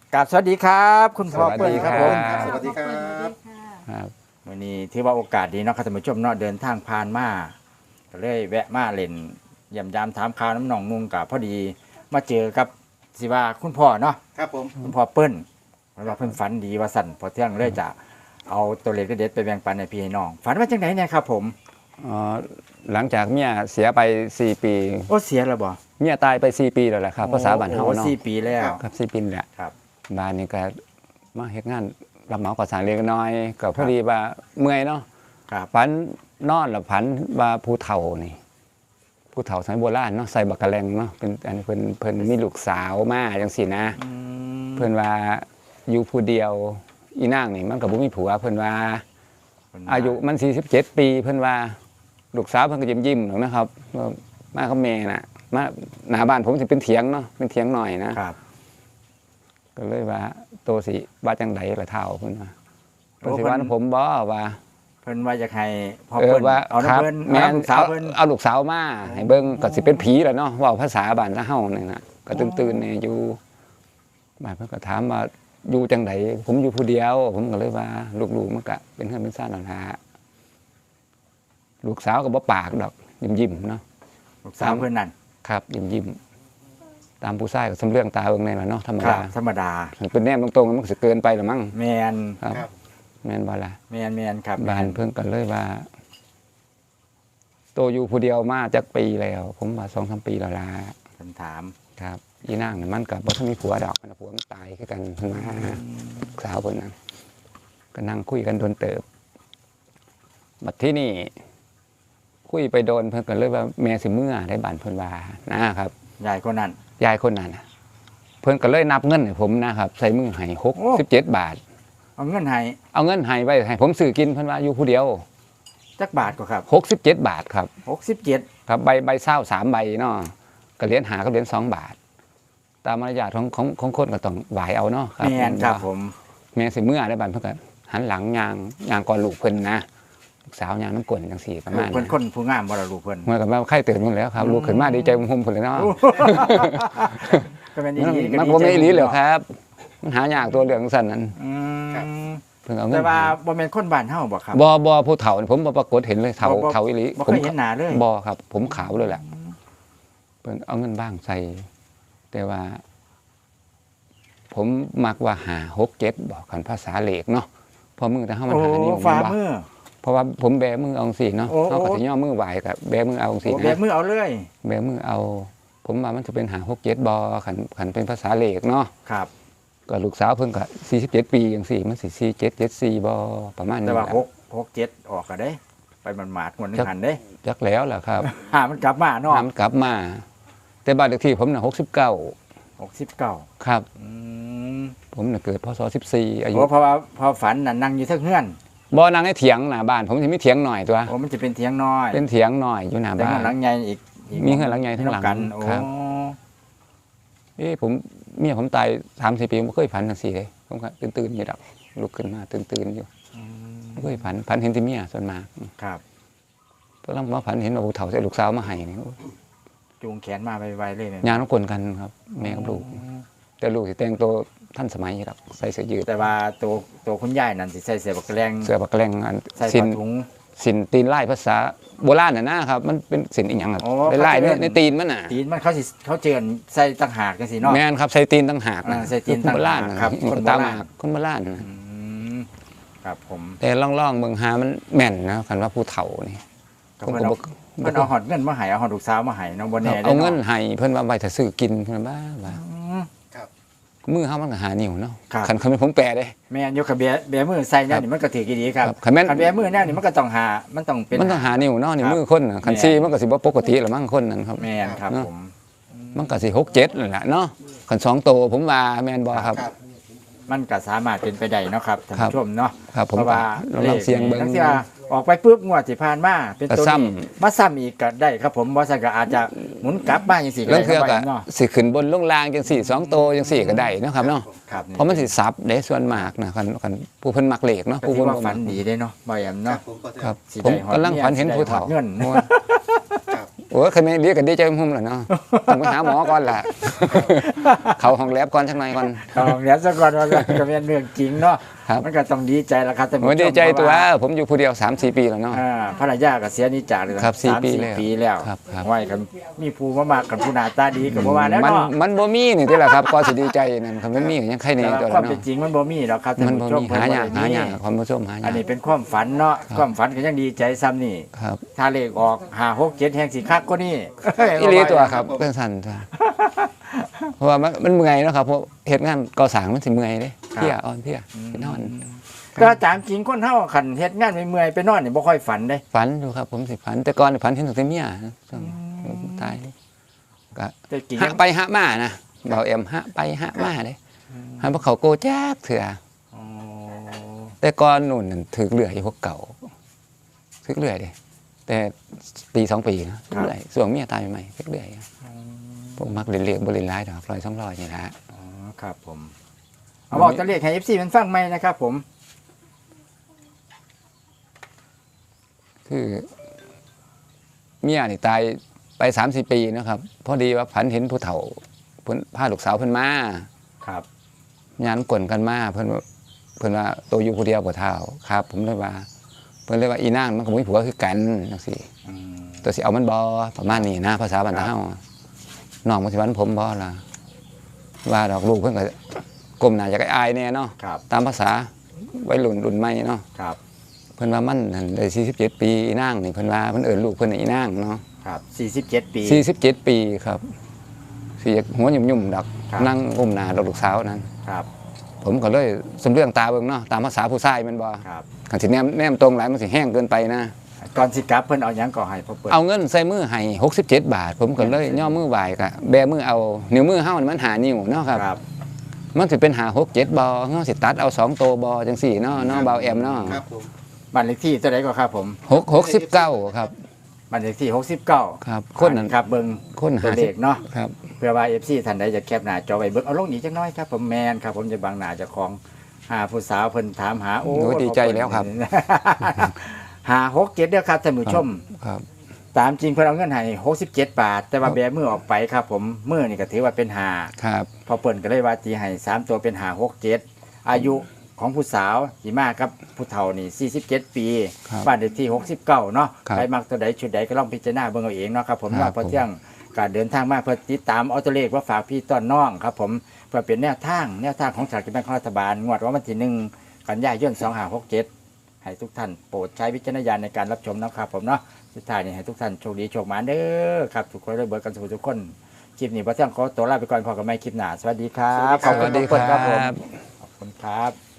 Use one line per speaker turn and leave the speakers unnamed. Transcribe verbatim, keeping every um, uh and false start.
กราบสวัสดีครับคุณพ่อ
สวัส
เปิ้ล
ดี
ครับ
ค
ผ
รับ
ม
สวัสดีครับ
ครับ
วันนี้ถือว่าโอกาสดีเนาะครับท่านผู้ชมเนาะเดินทางผ่านมาก็เลยแวะมาเล่นเยี่ยมยามถามข่าวน้ำหนองนุ่งกับพอดีมาเจอกับสิว่าคุณพ่อเนาะ
ครับผม
คุณพ่อเปิ้ลว่าเพิ่นฝันดีว่าสั่นพอเที่ยงเลยจะเอาตัวเลขเด็ดๆไปแบ่งปันในพี่ให้น้องฝันว่าจังไหนเนี่ยครับผม
อ๋อหลังจากเมียเสียไปสี่ปี
โอ้เสียแล้วบ่
เมียตายไปสี่ปีแล้วแหละครับภาษาบ้านเฮา
โอ้
เนาะ
สี่ปีแล้ว
ครับสี่ปีแหละ
ครับ
บ้านนี้ก็มาเฮ็ดงานรับเหมาก่อสร้างเล็กน้อยก็พอดีว่าเมื่อยเนาะ
ครับ
ฝันนอนแล้วฝันว่าผู้เฒ่านี่ผู้เฒ่าสมัยโบราณเนาะใส่บักกะแลงเนาะเป็นอันเพิ่นเพิ่นมีลูกสาวมาจังซี่นะ
อืม
เพิ่นว่าอยู่ผู้เดียวอีนางนี่มันก็บ่มีผัวเพิ่นว่า
เพิ่นว่
อายุมันสี่สิบเจ็ดปีเพิ่นว่าลูกสาวเพิ่นก็ยิ้มยิ้มๆหรอกนะครับว่ามากับแม่น่ะมาหน้าบ้านผมสิเป็นเถียงเนาะเป็นเถียงหน่อยนะครับ ก็เลยว่าโตสิว่าจังไดล่ะเฒ่าเพิ่นว่าเพิ่นสิว่าผมบ่ว่า
เพิ่นว่าอยากให้พ่อ
เออ
เปิ้ล
ว่า
เอา
ครั
น้ำ
บ
เพิ่น
แม่
เอา
น
ลูกสาว
เอา
เพิ่น
เอาลูกสาวมาให้เบิ่งก็สิเป็นผีแหล้วเนาะเว้าภาษาบ้านเฮานี่น่ะก็ตื่นๆนี่อยู่บ้านเพิ่นก็ถามว่าอยู่จังไดผมอยู่ผู้เดียว ผมก็เลยว่าลูกๆมันก็เป็นเฮือนเป็นซ่านนั่นล่ะลูกสาวก็บ่ปากดอกยิ้มๆเนาะ
ลูกสาวเพิ่นนั่น
ครับยิ้มยิ้มตามผู้ชายก็สำเรื่องตาเบิ่งในล่ะเนาะธรรม
ครับ
ดา
ธรรมดา
เป็นแนมตรงๆมันก็สิเกินไปละมั้ง
แมน
ครับ
ครับ
แม่นบ่ล่ะ
แมนแมนครับ
บ้านเพิ่นก็เลยว่า โตอยู่ผู้เดียวมาจักปีแล้ว ผมว่า สองสาม ปีแล้วล่ะ
เพิ่นถาม
ครับอีนางนี่มันก็บ่ทันมีผัวดอกมันผัวมันตายคือกันเพิ่นมาสาวเพิ่นน่ะก็นั่งคุยกันโดนเติบบัดที่นี่คุยไปโดนเพิ่นก็เลยว่าแม่สิเมื่อได้บ้านเพิ่นว่านะครับ
ยายคนนั้น
ยายคนนั้นน่ะเพิ่นก็เลยนับเงินให้ผมนะครับใส่มือให้หกสิบเจ็ดบาท
เอาเงินให้
เอาเงินให้ไว้ให้ผมซื้อกินเพิ่นว่าอยู่ผู้เดียว
จักบาทก็ครับ
หกสิบเจ็ดบาทครับ
หกสิบเจ็ด
ครับใบใบเศร้าสามใบเนาะก็เหรียญหากับเหรียญสองบาท ตามมารยาทของของของคนก็ต้องไหวเอาเนาะครับ
แมนครับผม
แม่สิเมื่อได้บานเพิ่นก็หันหลังยางยางก่อนลูกเพิ่นนะลูกสาวยางน้ำกลนจังสี่ประมาณ
เพิ่นคนผู้งามบ่ล่ะลูกเพิ่น
เมื่อกับว่าไข้ตื่นหมดแล้วครับลูกขึ้นมาดีใจหุ่มๆพุ่นเลยเนาะ
ก็เป็นอี
มัน
หลีก็
มัน
ดี
บ่
ใจ
แม่นอีหลีเหรอครับ มันหายากตัวเรื่องสั่นนั้น
อืม
เพิ่นเอาเงิ
แต่
น
ว่า
ให้
บ่แม่นคนบ้านเฮาบ่ครับ
บ่บ่ผู้เฒ่านี่ผมบ่ปรากฏเห็นเลยเฒ่า
บ่บ่
เฒ่าอีหลี
บ่
ผม
เคยเห็นหน้าเลย
บ่ครับ ผมขาวเลยแหละเพิ่นเอาเงินบ้างใส่ แต่ว่า ผมมักว่าหาหกเจ็ดบอกกันภาษาเหล็กเนาะพอมือแต่เฮามัน
โอ้
หานิ้ว
ฝ่า
มันบ่
มือ
เพราะว่าผมแบมือเอาสิเนาะ
โอ้
เฮาก็
โอ้
สิย่อมือไหวกับแบมือเอาสิ
โอ้
นะ
แบบมือเอาเลย
แบมือเอา ผมว่ามันจะเป็นหาหกเจ็ดบ่คันคันเป็นภาษาเหล็กเนาะ
ครับ
ก็ลูกสาวเพิ่นก็สี่สิบเจ็ดปีจังซี่มันสิสี่สิบเจ็ด เจ็ดสิบสี่บ่ประมาณนี้
แต่ว่า
แหละ
หก หก เจ็ดออกก็ได้ ไปมันหมาดๆงวดหนึงหันเด้
จักแล้วล่ะครับ
หามันกลับมาเนาะ
น้ำกลับมา แต่บ้านเลขที่ผมน่ะหกสิบเก้า
หกสิบเก้า
ครับ
อืม
ผมน่ะเกิดพศสิบสี่อายุ
โอ้เพราะว่าพอฝันน่ะนั่งอยู่เทั้งเฮือน
บ่นั่งในเถียงหน้าบ้าน ผมสิมีเถียงหน่อยตัว
โอ้มันจะเป็นเถียงน้อย
เป็นเถียงหน่อยอยู่หน้า
แต่
บ้า
เฮือน
น
หลังใหญ่อีกก
มีเฮือนหลังใหญ่ทั้งหลัง
กันโอ้
ครับ เอ้ผมเมียผมตายสามสี่ปีผมบ่เคยฝันจังซี่เลยผมก็ตื่นๆอยู่ดอกลุกขึ้นมาตื่นๆอยู่
อืม
บ่เคยฝันฝันเห็นแต่เมียส่วนมาก
ครับ
เพราะมาฝันเห็นว่าผู้เฒ่าใส่ลูกสาวมาให้นี่โอ้ย
จูงแขนมาไวๆเลยเนี่ย
ยางน้ำกลนกันครับ แม่กับลูก แต่ลูกสิแต่งตัวท่านสมัยอยู่ดอกใส่เสื้อยืด
แต่ว่าตัวตัวคุณยายนั่นสิใส่เสื้อบักแรง
เสื้อบักแรงอัน
ใส่
สิ
ผ้าน ถุง
สินตีนไล่ภาษาโบราณน่ะนะครับ มันเป็นสินอีหยังครับ
โอ้
ไล่
เขาจะ
เนี่ย
เล่น
ในตีนมันน่ะ
ตีนมันเขาสิเขาเจือนใส่ต่างหากจังซี่เนาะ
แม่นครับใส่ตีนต่างหากนะ
อ่าใส่ตีน
คนโบราณ
ต่างหาก
นะครับ
คน
คน
โบ
ตา
ราณ
มากคนโบราณนะ
อืมครับผม
แต่ล่องๆเบิ่งหามันแม่นนะคันว่าผู้เฒ่านี่
ก็
ผม
เพิ่น
ก็
เอา
บ่
เพิ่นเอาหอดเงินมาให้เอาหอดลูกสาวมาให้เนาะบ่
ค
แน่
รับ
ด้
เอาเงิน
นาะ
ให้เพิ่นว่าไว้ถ้าซื้อกินเพิ่นว่าบ้า
อืม
ครับ
มือเฮามันก็หานิ้วเนาะ
ครับ
คันคันเป็นผมแปลเด้
แม่นอยู่กับแบะแบะมือใส่แนวนี่มันก็ถือกี่ดีครับ
ครับคันแม่น
คันแบะมือแนวนี่มันก็ต้องหามันต้องเป็น
มันต้องหานิ้วเนาะนี่
ครับ
มือคนน่ะคัน
แม่น
ซี่มันก็สิบ่ปกติละมั้งคนนั้นครับ
แม่นครับ
เนาะ
ผม
มันก็สิหกเจ็ดนั่นแหละเนาะคันสองโตผมว่าแม่นบ่ครับ
ครับ
มันก็สามารถเป็นไปได้เนาะครับท่าน
ครับ
ผู้ชมเนาะ
ครับผม
เพราะว่า
ลองลองเสียงเบิ่ง
ทั้งที่ว่าออกไปปุ๊บงวดที่ผ่านมาเป็นตัว
ก็ซ้ำ
นี้มาซ้ำอีกก็ได้ครับผมบ่ซั่นก็อาจจะหมุนกลับมาจังซี่ก็
แล้ว
ได้
เทื่อ
ค
ก็
รับเนาะ
สิขึ้นบนลงล่างจังสี่สองโตจังสี่ก็ได้เนาะครับเนาะ
ครับ
เพราะมันสิซับเด้ส่วนมากนะคันคันผู้เพิ่นมักเลขเนาะ
ก็
ผู้
ถื
เพิ่
อน ว่า
บ่
ฝั
มั
น
ก
ดีได้เนาะบ่แอม
ครั
เนาะ
บผมก็จะ
ครับ
สิ
ผม
ได้ฮอด
กำลังฝันเห็น
สิได้
ผู้เฒ่า
ฮอดเงิน
ม่วน
ครับ
อ้ยเคยไม่ดีกันดีใจหุ่มเหรอเนาะต้องไปหาหมอก่อนแหละ เขาห้องแลบก่อนสักหน่อยก่อน
เอาเนี้ยซะก่อนว่าก็เป็นเรื่องจริงเนาะ
ครับ
มันก็ต้องดีใจละครับท่านผู้ช
โอ้
ม
ยดีใจตัว
เพราะา
ผมอยู่ผู้เดียว สามสี่ ปีแล้วเนาะ
อ่าภรรยาก็เสียนิจากเลย
ครับสี่
สาม
ปี
สี่
แล้ว
ปีแล้ว
ครับครับ
ไว้กันมีผู้มามากกันผู้หน้าตาดีกับบ่ว่าแล้ว
มัน
เนาะ
มันบ่มีนี่ที่แหละครับก็สิดีใจนั่นครับมันมีก็ยังใครใน
แต่ว่า
ตัว
ความ
เนาะ
เป็นจริงมันบ่มีหรอกครับท่าน
มันบ่
ผู้ชม
มีหายาก
เพิ่นบ่ได้
หายากความผู้ชมหายาก
อันนี้เป็นความฝันเนาะความฝันก็ยังดีใจซ้ำนี่
ครับ
ถ้าเลขออกห้า หก เจ็ดแห่งสิคักกว่านี้
อีหลีตัวครับเรื่องสั้นตัวเพราะว่ามันมันเมื่อยเนาะครับเพราะเหตุงานก่อสร้างมันสิเมื่อยเด้เพลียอ่อนเพลียไปนอน
ก็ตามจริงคนเฮาคันเฮ็ดงานเมื่อยๆไปนอนนี่บ่ค่อยฝันเด้
ฝันอยู่ครับผมสิฝันแต่ก่อนฝันเห็นตั้งแต่เมียช่วงตายก็
แต่จริง
หะไปหะมานะเบาเอ็มหะไปหะมาเด้หันพวกเขาโกแจ๊กเถื่อ
อ๋อ
แต่ก่อนนู่นนั่นถือเรื่อยพวกเก่าถือเรื่อยเด้แต่ปีสองปีนะถือเรื่อยส่วงเมียตายใหม่ถือเรื่อยพวกมักเรียนเรียกบริลายดอกร้อยสองร้อยนี่แหละ
อ๋อครับผมเอาบอกจะเรียกให้ เอฟ ซี มันฟังไหมนะครับผม
คือเมียนี่ตายไปสามสี่ปีนะครับพอดีว่าผันเห็นผู้เฒ่าเพิ่นพาลูกสาวเพิ่นมา
ครับ
งานกวนกันมาเพิ่นว่าเพิ่นว่าตัวอยู่ผู้เดียวบ่เท่าครับ ผมเลยว่า เพิ่นเลยว่าอีนางมันก็บ่มีผัวคือกันจังซี่
อืม
ตัวสิเอามันบ่ประมาณนี้นะภาษาบ้านเฮาน้องมันสิวันผมบ่ล่ะว่าดอกลูกเพิ่นก็ก้มหน้าอยากอายแน่เนาะ
ครับ
ตามภาษาวัยรุ่นรุ่นใหม่เนาะ
ครับ
เพิ่นว่ามันนั่นได้สี่สิบเจ็ดปีอีนางนี่เพิ่นว่าเพิ่นเอิ้นลูกเพิ่นน่ะอีนางเนาะ
ครับสี่สิบเจ็ดปี
สี่สิบเจ็ดปีครับสิอยากหัวยุ่มๆดอก
ครับ
นั่งอุ้มหน้าดอกลูกสาวนั้น
ครับ
ผมก็เลยสำเรื่องตาเบิ่งเนาะตามภาษาผู้ชายแมันบ่
ครับ
คันสิแนมแนมตรงหลายมันสิแห้งเกินไปนะ
ก่อนสิกลับเพิ่นเอาหยังก่อให้พอเปิด
เอาเงินใส่มือให้หกสิบเจ็ดบาท ผมก็เลยย่อมือไหวกะแบมือเอานิ้วมือเฮานี่มันหานิ้วเนาะครับ
ครับ
มันสิเป็นหาหกเจ็ดบ่เฮาสิตัดเอาสองโตวบ่จังซี่เนาะเนาะเบาแอมเนาะ
ครับผม
บ้านเลขที่เท่าไหร่ก็ครับผม
หกหกสิบเก้าครับ
บ้านเลขที่หกสิบเก้า
ครับคนนั้น
ครับเบิ่ง
คน
ตัว
หา
เล
สิบ
ขเนาะ
ครับ
เพื่อว่า เอฟ ซี ท่านใดจะแคปหน้าจอไว้เบิ่งเอาลงนี้จักหน้อยครับผมแมนครับผมจะบังหน้าเจ้าของหาผู้สาวเพิ่นถามหาโอ้
โอ้ยดีใจแล้วครับ
หาหกเจ็ดเด้อครับท่านผู้ชม
ครับ
ตามจริงเพิ่นเอาเงินให้หกสิบเจ็ดบาท แต่ว่าแบมือออกไปครับผมมือนี่ก็ถือว่าเป็นหา
ครับ
พอเปิ่นก็เลยว่าตีให้สามตัวเป็นหาหกเจ็ดอายุของผู้สาวสีมากครับผู้เฒ่านี่สี่สิบเจ็ดปี
ครับ
บ้านเลขที่หกสิบเก้าเนาะ
ครับ
ใครมักตัวใดชุดใดก็ลองพิจารณาเบิ่งเอาเองเนาะครับผม
ครับ
ว่าพอเที่ยงการเดินทางมาเพื่อติดตามเอาตัวเลขว่าฝากพี่ต้อนน้องครับผมเพื่อเป็นแนวทางแนวทางของสลากกินแบ่งของรัฐบาลงวดวันที่หนึ่งกันยายนสองห้าหกเจ็ดให้ทุกท่านโปรดใช้วิจารณญาณในการรับชมนะครับผมเนาะสุดท้ายนี่ให้ทุกท่านโชคดีโชคหมานเด้อครับทุกคนได้เบิร์กันทุกคนคลิปนี้พอเที่ยงขอตัวลาไปก่อนพอกันใหม่คลิปหน้าสวัสดีครับ
สวัสดีค
ขอบคุณทุกคนครับผม
รับ
ขอบคุณครับ